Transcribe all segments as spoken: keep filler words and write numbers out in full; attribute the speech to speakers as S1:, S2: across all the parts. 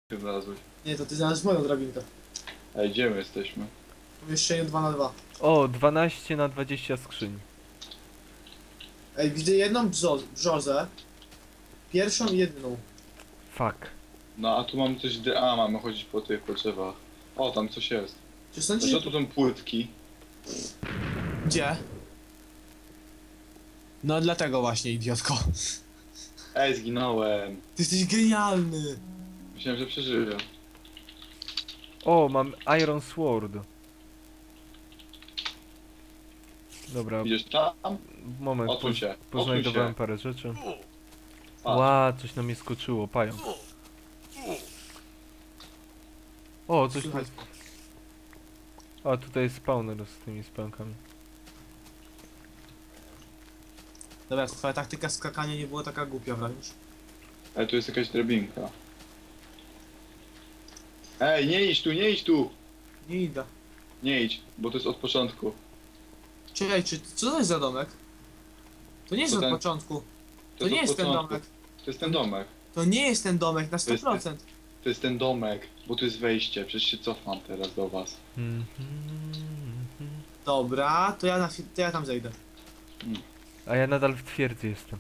S1: znalazłeś.
S2: Nie, to ty znalazłeś moją drabinkę.
S1: Ej, gdzie my jesteśmy?
S2: W pomieszczeniu dwa na dwa.
S3: O, dwanaście na dwadzieścia skrzyń.
S2: Ej, widzę jedną brzo brzozę. Pierwszą i jedyną.
S3: Fuck.
S1: No a tu mamy coś, dy- a mamy chodzić po tych po drzewach. O, tam coś jest.
S2: Czy
S1: A
S2: sądzisz...
S1: co tu są płytki?
S2: Gdzie? No dlatego właśnie, idiotko.
S1: Ej, zginąłem.
S2: Ty jesteś genialny.
S1: Myślałem, że przeżyję.
S3: O, mam Iron Sword. Dobra,
S1: Idziesz tam?
S3: moment,
S1: Odsuń
S3: poz
S1: się.
S3: poznajdowałem
S1: Odsuń się.
S3: parę rzeczy.
S1: Patrz.
S3: Ła, coś na mnie skoczyło, pająk. O, coś tu...
S2: Słuchaj,
S3: A, tutaj jest spawner z tymi spałkami.
S2: dobra, twoja taktyka skakania nie była taka głupia wręcz.
S1: Ej, tu jest jakaś drabinka. Ej, nie idź tu, nie idź tu!
S2: Nie idę.
S1: Nie idź, bo to jest od początku.
S2: Czekaj, czy co to jest za domek? To nie jest
S1: To
S2: od
S1: ten-
S2: początku. To
S1: jest
S2: nie
S1: od
S2: jest ten
S1: początku.
S2: domek.
S1: To jest ten domek.
S2: To nie jest ten domek na sto
S1: jest-
S2: procent.
S1: To jest ten domek, bo tu jest wejście. Przecież się cofam teraz do was.
S3: Mhm.
S2: Dobra, to ja, na, fi- to ja tam zejdę.
S3: A ja nadal w twierdzy jestem.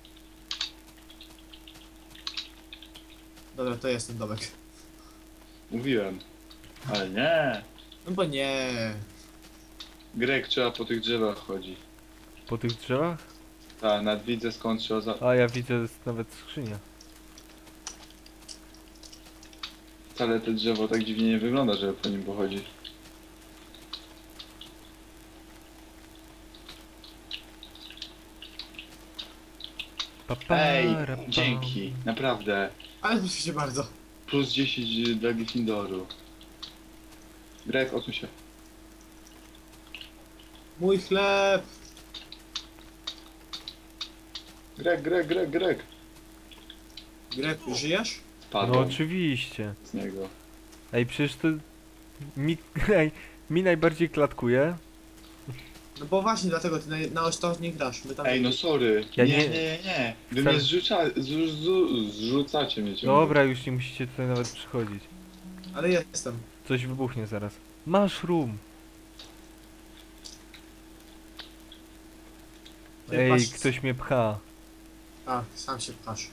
S2: Dobra, to jest ten domek.
S1: Mówiłem. Ale nie.
S2: No bo nie.
S1: Greg, trzeba po tych drzewach chodzi.
S3: Po tych drzewach?
S1: Tak, nad widzę skąd trzeba za...
S3: A ja widzę jest nawet skrzynia.
S1: Wcale to drzewo tak dziwnie nie wygląda, żeby po nim pochodzić.
S3: Pa, pa,
S1: Ej,
S3: ra, pam.
S1: dzięki, naprawdę.
S2: Ale proszę cię bardzo.
S1: Plus dziesięć dla Gryffindoru. Greg, odsuń się.
S2: Mój chleb.
S1: Greg, Greg, Greg, Greg.
S2: Greg, żyjesz?
S3: No
S1: Spadłem
S3: oczywiście.
S1: z niego.
S3: Ej, przecież to... Mi, ej, mi najbardziej klatkuje.
S2: No bo właśnie dlatego ty na, na ostatnie grasz. My tam
S1: Ej, no sorry.
S3: Ja
S1: nie,
S3: nie-
S1: nie, nie, nie. Wy
S3: Wcale-
S1: mnie zrzuca, zrzu, zrzu, zrzucacie mnie ciągle.
S3: Dobra, już nie musicie tutaj nawet przychodzić.
S2: Ale jestem.
S3: Coś wybuchnie zaraz. Mushroom!
S2: Ty
S3: Ej,
S2: masz-
S3: ktoś mnie pcha.
S2: A, sam się pchasz.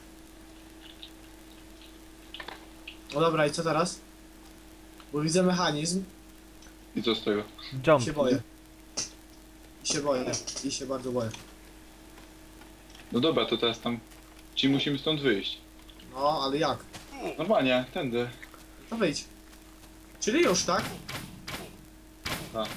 S2: No dobra, i co teraz? Bo widzę mechanizm
S1: I co z tego?
S2: i
S3: Jump.
S2: się boję. I się boję. I się bardzo boję.
S1: No dobra, to teraz tam... Ci musimy stąd wyjść.
S2: No, ale jak?
S1: Normalnie, tędy.
S2: No wyjdź. Czyli już, tak?
S1: Tak.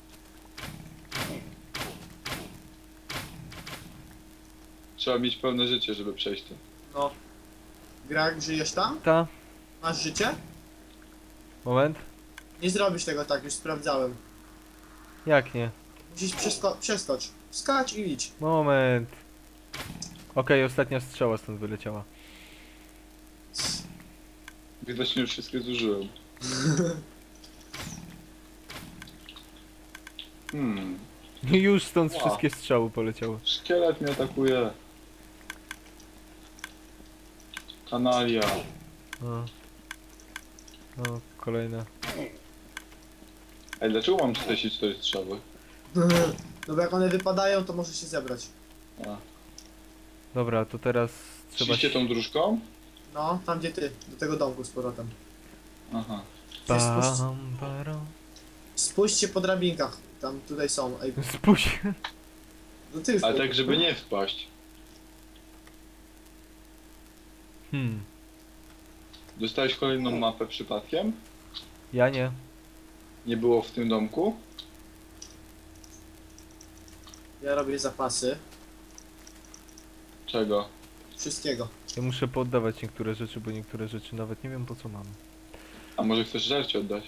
S1: Trzeba mieć pełne życie, żeby przejść to.
S2: No. Greg, żyjesz tam?
S3: Ta.
S2: Masz życie?
S3: Moment.
S2: Nie zrobisz tego tak, już sprawdzałem.
S3: Jak nie?
S2: Musisz przesko przeskocz. Skacz i idź.
S3: Moment. Okej, ostatnia strzała stąd wyleciała.
S1: Widocznie już wszystkie zużyłem. Hmm.
S3: Już stąd
S1: Ła.
S3: wszystkie strzały poleciały.
S1: Szkielet mnie atakuje. Kanalia.
S3: O. O, kolejne.
S1: Ej, dlaczego mam czterdzieści cztery strzały?
S2: No bo jak one wypadają, to może się zebrać.
S1: A.
S3: Dobra, to teraz trzeba
S1: Szliście tą dróżką?
S2: No, tam gdzie ty. Do tego domku z powrotem.
S1: Aha.
S2: Spójrz,
S3: Bam, baram.
S2: spójrzcie po drabinkach. Tam tutaj są. Ej,
S3: Spójrz.
S2: no ty już.
S1: Ale tak, żeby nie wpaść.
S3: Hmm.
S1: Dostałeś kolejną mapę przypadkiem?
S3: Ja nie.
S1: Nie było w tym domku?
S2: Ja robię zapasy.
S1: Czego?
S2: Wszystkiego.
S3: Ja muszę poddawać niektóre rzeczy, bo niektóre rzeczy nawet nie wiem po co mam.
S1: A może chcesz żarcie oddać?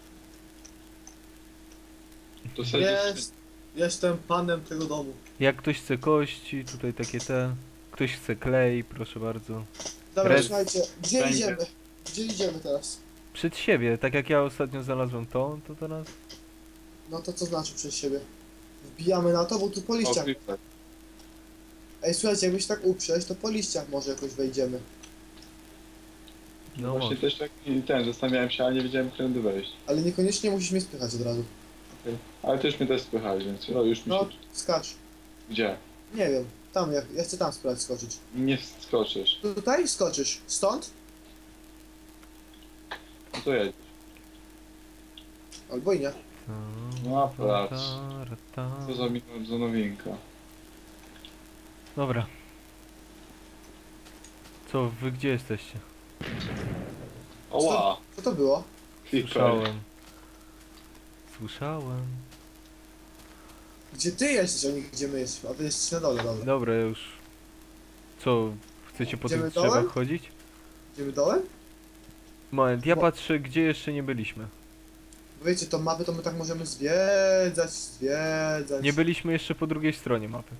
S1: To sobie
S2: Jest. Jestem panem tego domu.
S3: Jak ktoś chce kości, tutaj takie te. Ktoś chce klej, proszę bardzo.
S2: Dobra,
S3: Red-
S2: słuchajcie, gdzie
S1: Będzie.
S2: idziemy? Gdzie idziemy teraz?
S3: Przed siebie, tak jak ja ostatnio znalazłem to, to teraz.
S2: No to co znaczy przez siebie? Wbijamy na to, bo tu po
S1: O,
S2: liściach.
S1: creeper.
S2: Ej, słuchajcie, jakbyś tak uprzeć, to po liściach może jakoś wejdziemy.
S3: No
S1: Właśnie
S3: może.
S1: też tak i ten, zastanawiałem się, ale nie wiedziałem, którędy wejść.
S2: Ale niekoniecznie musisz mnie spychać od razu.
S1: Okej. Ale ty już mnie też spychałeś, więc no, już mi
S2: No,
S1: się...
S2: skacz.
S1: Gdzie?
S2: Nie wiem, tam, ja, ja chcę tam spróbować skoczyć.
S1: Nie skoczysz.
S2: Tutaj skoczysz. Stąd?
S1: No to jedź.
S2: Albo i nie.
S1: No patrz. Co za, mi- za nowinka.
S3: Dobra. Co, wy gdzie jesteście?
S1: Oła!
S2: Co to było?
S1: Creeper.
S3: Słyszałem. Słyszałem.
S2: Gdzie ty jesteś, a nie gdzie my jesteśmy? A wy jesteście na dole, dobra.
S3: Dobra, już. Co, chcecie po
S2: Idziemy
S3: tych drzewach
S2: dołem?
S3: chodzić?
S2: Idziemy dołem?
S3: Moment, ja
S2: Bo-
S3: patrzę, gdzie jeszcze nie byliśmy.
S2: Bo wiecie, tą mapę to my tak możemy zwiedzać, zwiedzać.
S3: Nie byliśmy jeszcze po drugiej stronie mapy.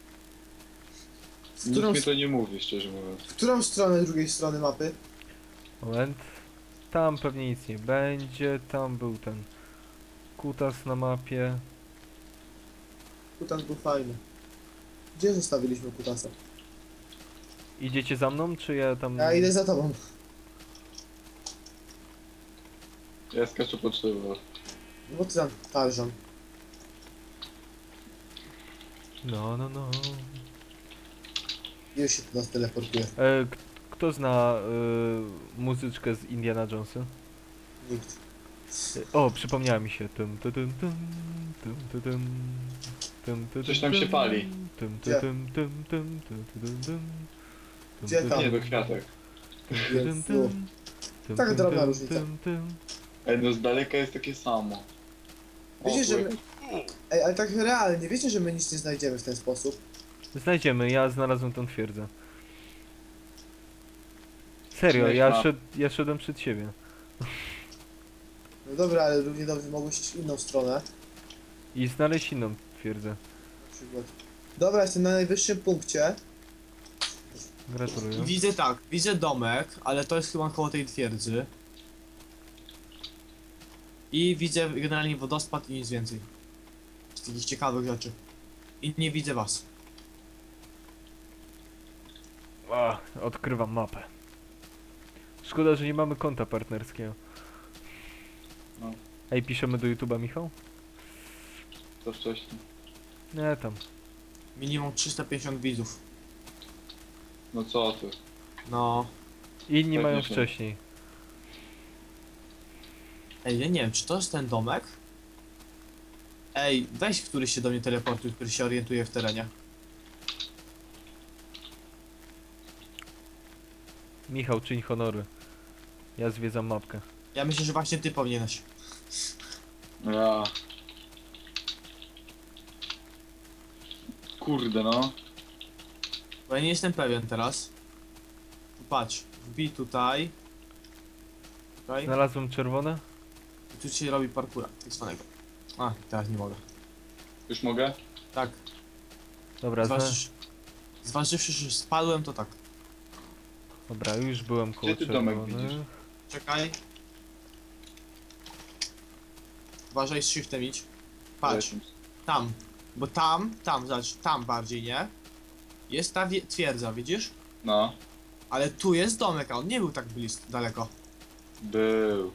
S2: W
S1: Nikt
S2: którą,
S1: mi to nie mówi, szczerze mówiąc.
S2: w którą stronę drugiej strony mapy?
S3: Moment. Tam pewnie nic nie będzie, tam był ten kutas na mapie.
S2: Kutas był fajny. Gdzie zostawiliśmy kutasa?
S3: Idziecie za mną, czy ja tam...
S2: Ja idę za tobą.
S1: Ja skaczę po drzewach.
S2: No bo ty tam Tarzan.
S3: No, no, no.
S2: Już się tu nas teleportuje.
S3: E, k- kto zna e, muzyczkę z Indiana Jonesa?
S2: Nikt.
S3: E, o, przypomniała mi się. Tum, tu, tum, tum, tum, tu, tum, tum, tu,
S1: Coś
S3: tum,
S1: tam się
S3: tum,
S1: pali.
S3: tum, tu,
S2: Gdzie?
S3: tum, tum, tum, tu, tu, tum, tum, tum,
S2: Gdzie
S3: tu,
S2: tam?
S1: Nie,
S3: tum,
S1: do kwiatek.
S3: tum,
S2: Jezu.
S3: tum, tum,
S2: Tak
S3: tum,
S2: drobna
S3: tum,
S2: różnica.
S3: tum, tum.
S1: Ej, no z daleka jest takie samo. O,
S2: Wiecie, że
S1: chuj.
S2: my... Ej, ale tak realnie, wiecie, że my nic nie znajdziemy w ten sposób?
S3: Znajdziemy, ja znalazłem tą twierdzę. Serio,
S1: Znaleźć
S3: ja,
S1: mapę.
S3: szed, ja szedłem przed siebie.
S2: No dobra, ale równie dobrze mogłeś iść w inną stronę.
S3: I znaleźć inną twierdzę.
S2: Na przykład. Dobra, jestem na najwyższym punkcie.
S3: Gratuluję.
S2: I widzę tak, widzę domek, ale to jest chyba koło tej twierdzy. I widzę generalnie wodospad i nic więcej. Z takich ciekawych rzeczy. I nie widzę was.
S3: A, odkrywam mapę. Szkoda, że nie mamy konta partnerskiego.
S1: No.
S3: Ej, piszemy do YouTube'a, Michał?
S1: To wcześniej.
S3: Nie, tam.
S2: Minimum trzysta pięćdziesiąt widzów.
S1: No co ty?
S2: No.
S3: Inni
S1: Tak
S3: mają
S1: nie są.
S3: wcześniej.
S2: Ej, ja nie wiem, czy to jest ten domek? Ej, weź któryś się do mnie teleportuj, który się orientuje w terenie.
S3: Michał, czyń honory. Ja zwiedzam mapkę.
S2: Ja myślę, że właśnie ty powinieneś.
S1: Ja. Kurde no.
S2: Bo ja nie jestem pewien teraz. Patrz, wbij tutaj. Tutaj.
S3: Znalazłem czerwone?
S2: I tu się robi parkura, tak zwanego. A, teraz nie mogę.
S1: Już mogę?
S2: Tak,
S3: Dobra, zna...
S2: zważ... zważywszy, że spadłem, to tak.
S3: Dobra, już byłem koło
S1: Gdzie ty domek
S3: czerwonych.
S1: widzisz?
S2: Czekaj. Uważaj, z shiftem idź. Patrz,
S1: Lecim.
S2: tam. Bo tam, tam, zobacz, tam bardziej, nie? Jest ta wie- twierdza, widzisz?
S1: No.
S2: Ale tu jest domek, a on nie był tak blisko, daleko.
S1: Był.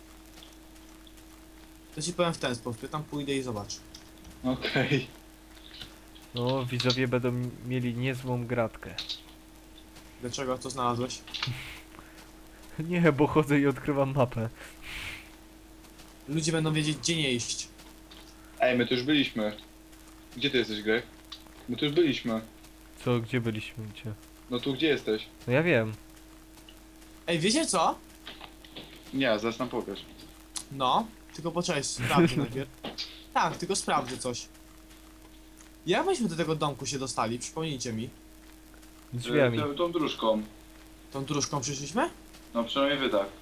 S2: To ci powiem w ten sposób, ja tam pójdę i zobacz.
S1: Okej.
S3: No, widzowie będą mieli niezłą gratkę.
S2: Dlaczego to znalazłeś?
S3: Nie, bo chodzę i odkrywam mapę.
S2: Ludzie będą wiedzieć, gdzie nie iść.
S1: Ej, my tu już byliśmy. Gdzie ty jesteś, Greg? My tu już byliśmy.
S3: Co, gdzie byliśmy? Gdzie?
S1: No tu gdzie jesteś?
S3: No ja wiem.
S2: Ej, wiecie co?
S1: Nie, zaraz nam pokaż.
S2: No, tylko poczekaj, sprawdzę najpierw. Tak, tylko sprawdzę coś. Jak myśmy do tego domku się dostali? Przypomnijcie mi.
S3: Drzwiami.
S1: E, tą- Tą dróżką.
S2: Tą dróżką przyszliśmy?
S1: No przynajmniej wy tak.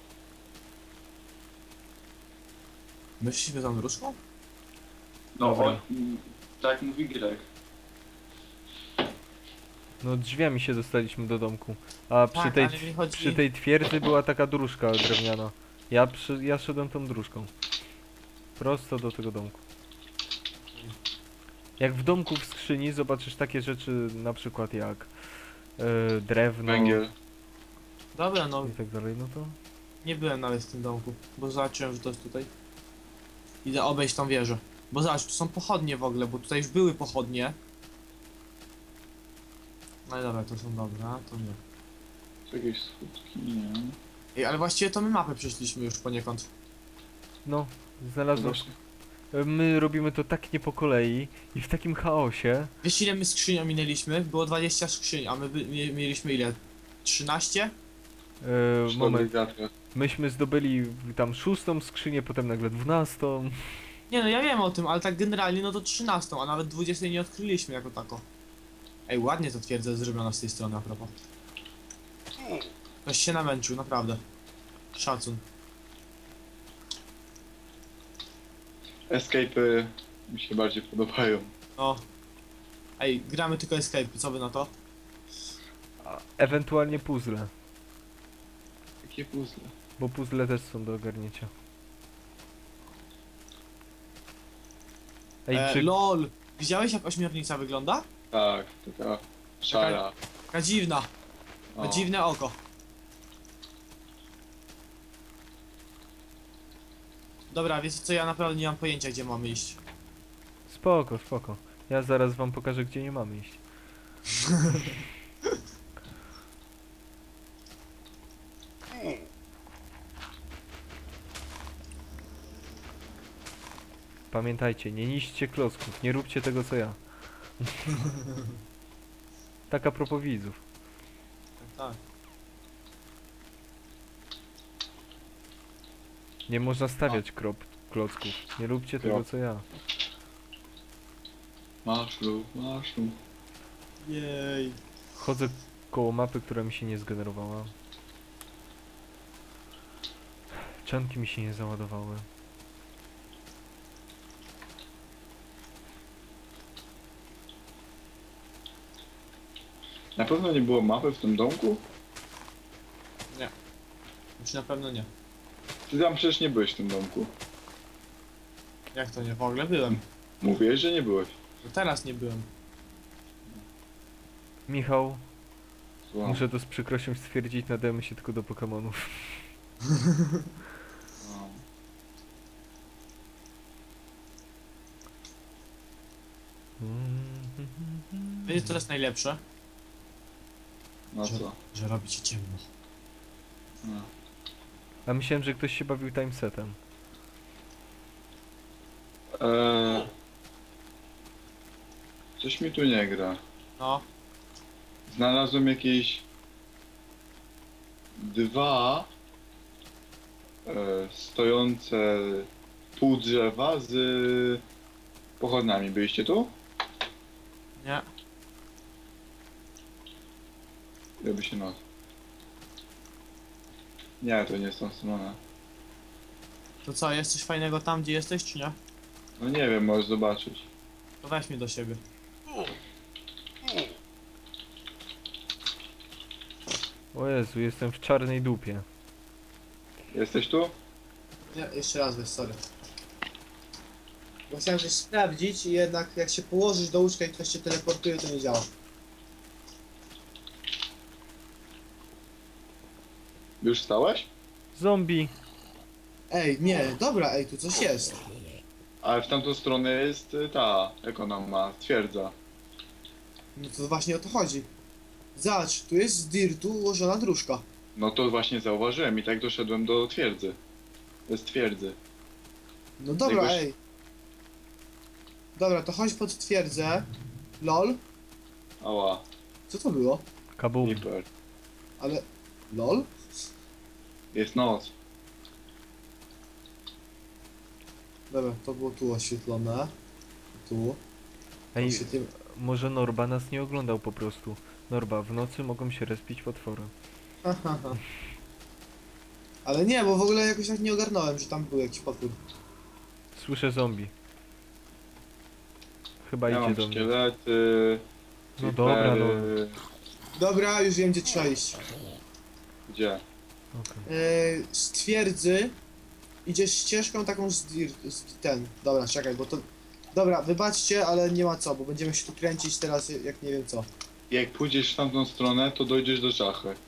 S2: My szliśmy tą dróżką?
S1: No
S3: Dobra.
S1: on, mm, tak mówi Greg.
S3: No drzwiami się dostaliśmy do domku. A przy
S2: Tak,
S3: tej,
S2: ale mi chodzi-
S3: przy tej twierdzy była taka dróżka drewniana. Ja, przy, ja szedłem tą dróżką. Prosto do tego domku. Jak w domku w skrzyni zobaczysz takie rzeczy na przykład jak e, drewno.
S1: Węgiel.
S2: Dobra, no
S3: i tak dalej, no to...
S2: nie byłem nawet w tym domku, bo zobaczyłem, że to jest tutaj. Idę obejść tą wieżę. Bo zobacz, tu są pochodnie w ogóle, bo tutaj już były pochodnie. No i dobra, to są dobre, a to nie.
S1: Są jakieś skutki? Nie.
S2: Ej, ale właściwie to my mapę przeszliśmy już poniekąd.
S3: No,
S1: To
S3: znalazłem...
S1: właśnie-
S3: My robimy to tak nie po kolei i w takim chaosie.
S2: Wiesz ile my skrzyń ominęliśmy? Było dwadzieścia skrzyń, a my by, mie- mieliśmy ile? trzynaście?
S3: E,
S1: Przy
S3: moment,
S1: dobrych gadkach.
S3: myśmy zdobyli tam szóstą skrzynię, potem nagle dwunastą.
S2: Nie no, ja wiem o tym, ale tak generalnie no to trzynastą, a nawet dwudziestej nie odkryliśmy jako tako. Ej, ładnie to twierdza jest zrobiona z tej strony a propos. Ktoś się namęczył, naprawdę. Szacun.
S1: Escape'y mi się bardziej podobają.
S2: No. Ej, gramy tylko escape, co wy na to?
S3: A ewentualnie puzzle,
S1: Jakie puzzle.
S3: bo puzzle też są do ogarnięcia. Ej,
S2: E,
S3: czy...
S2: LOL! Widziałeś jak ośmiornica wygląda?
S1: Tak, taka szara.
S2: Taka dziwna. Ma
S1: O.
S2: dziwne oko. Dobra, wiecie co, ja naprawdę nie mam pojęcia gdzie mamy iść.
S3: Spoko, spoko. Ja zaraz wam pokażę, gdzie nie mamy iść. Pamiętajcie, nie niszczcie klocków, nie róbcie tego co ja. Tak a propos widzów.
S2: Tak, tak.
S3: Nie można stawiać krop, klocków. Nie róbcie tego
S1: Krop.
S3: co ja.
S1: Maszlu, maszlu.
S2: Jej.
S3: Chodzę koło mapy, która mi się nie zgenerowała. Czanki mi się nie załadowały.
S1: Na pewno nie było mapy w tym domku?
S2: Już na pewno nie.
S1: Ty tam przecież nie byłeś w tym domku.
S2: Jak to nie? W ogóle byłem.
S1: Mówiłeś, że nie byłeś.
S2: No teraz nie byłem.
S3: Michał,
S1: Słucham.
S3: muszę to z przykrością stwierdzić, nadajemy się tylko do Pokemonów.
S1: No.
S2: Wiecie co jest najlepsze?
S1: No
S2: Że,
S1: co?
S2: że robi ci ciemno.
S1: No.
S3: A myślałem, że ktoś się bawił timesetem.
S1: Eee... Coś mi tu nie gra.
S2: No.
S1: Znalazłem jakieś dwa e, stojące pół drzewa z pochodniami. Byliście tu?
S2: Nie.
S1: Robi się noc. Nie, to nie jest tą stronę.
S2: To co, jest coś fajnego tam gdzie jesteś czy nie?
S1: No nie wiem, możesz zobaczyć.
S2: To weź mnie do siebie.
S3: O Jezu, jestem w czarnej dupie.
S1: Jesteś tu?
S2: Nie, jeszcze raz weź, sorry. Bo chciałem coś sprawdzić i jednak jak się położysz do łóżka i ktoś cię teleportuje, to nie działa.
S1: Już stałeś?
S3: Zombie!
S2: Ej, nie, dobra, ej, tu coś jest.
S1: Ale w tamtą stronę jest y, ta, jak ona ma, twierdza.
S2: No to właśnie o to chodzi. Zobacz, tu jest z dirtu ułożona dróżka.
S1: No to właśnie zauważyłem i tak doszedłem do twierdzy. To jest twierdzy.
S2: No dobra,
S1: Jakoś-
S2: ej. Dobra, to chodź pod twierdzę. Lol.
S1: Ała,
S2: Co to było?
S3: Kabum.
S1: Creeper.
S2: Ale... Lol?
S1: Jest noc.
S2: Dobra, to było tu oświetlone. Tu.
S3: Ej,
S2: Oświetlim...
S3: może Norba nas nie oglądał po prostu. Norba, w nocy mogą się respić potwory.
S2: Ha, ha, ha. Ale nie, bo w ogóle jakoś tak nie ogarnąłem, że tam był jakiś potwór.
S3: Słyszę zombie. Chyba
S1: Ja
S3: idzie
S1: mam
S3: do mnie.
S1: szkielety.
S3: No dobra, no.
S1: creepery.
S2: Dobra, już wiem gdzie trzeba iść.
S1: Gdzie?
S3: Okej.
S2: Yy, z twierdzy idziesz ścieżką taką z, dir- z ten. Dobra, czekaj, bo to... Dobra, wybaczcie, ale nie ma co, bo będziemy się tu kręcić teraz jak nie wiem co.
S1: Jak pójdziesz w tamtą stronę, to dojdziesz do szachy.